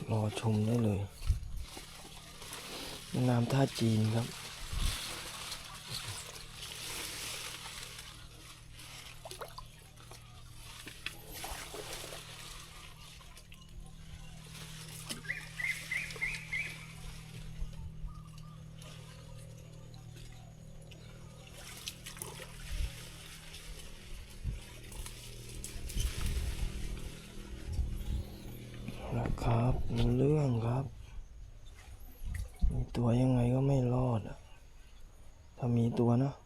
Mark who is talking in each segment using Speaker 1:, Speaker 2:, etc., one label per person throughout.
Speaker 1: รอชมได้เลยแม่น้ำท่าจีนครับนะครับรู้เรื่องครับมีตัวยังไงก็ไม่รอดอะถ้ามีตัวนะ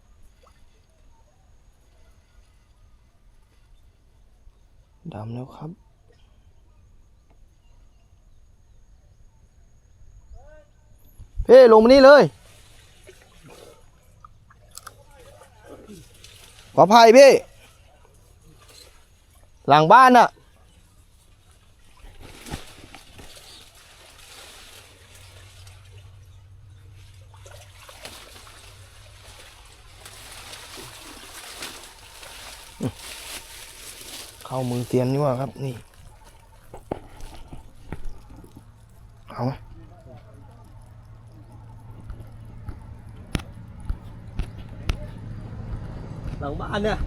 Speaker 1: ดำแล้วครับเพ่ลงมานี่เลยขออภัยพี่หลังบ้านอะเข้ามือเตียนนี่ว่าครับนี่เอาหลังบ้านเนี่ย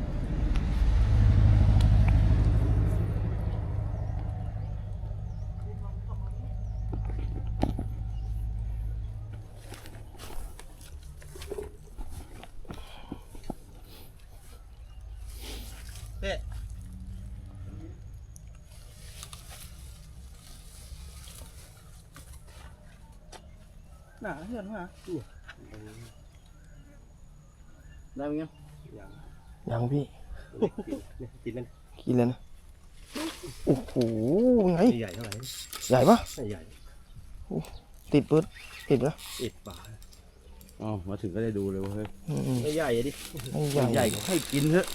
Speaker 1: หนาเหือนมาได้ไหมยังยังพี่กินเลยกินเลยนะโอ้โหไงใหญ่เท่าไหร่ใหญ่ปะใหญ่ติดปื๊ดติดนะติดป่าอ๋อมาถึงก็ได้ดูเลยว่าเฮ้ยไม่ใหญ่ดิไม่ใหญ่ก็ให้กินเถอะ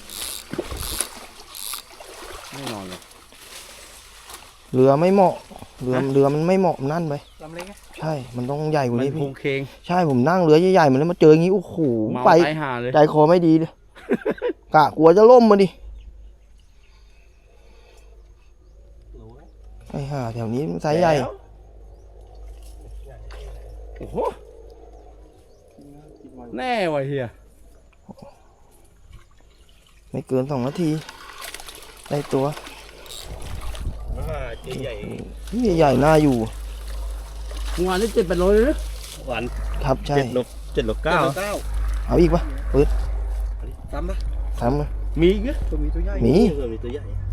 Speaker 1: ไม่นอนเลยเรือไม่เหมาะเรือมันไม่เหมาะนั่นไปลำเล็กใช่มันต้องใหญ่กว่านี้พี่ใช่ผมนั่งเรือใหญ่ๆมันแล้วมาเจออย่างนี้โอ้โหไปใจคอไม่ดีเลยกะกลัวจะล่มมาดิไอ้ห่าแถวนี้มันไซส์ใหญ่
Speaker 2: โอ้โหแน่วะเฮีย
Speaker 1: ไม่เกิน2 นาทีได้ตัว
Speaker 2: ใหญ่
Speaker 1: ใหญ่น่าอยู่
Speaker 2: งานนี้7-8 โลเลยนะ
Speaker 1: หวานครับใช่
Speaker 2: 7 โล 9
Speaker 1: เอาอีกปะปื๊ด
Speaker 2: ซ้ำปะ
Speaker 1: ซ้ำ
Speaker 2: มีอีกไหมตัวมีตัวใหญ่
Speaker 1: มี
Speaker 2: ตัวใหญ่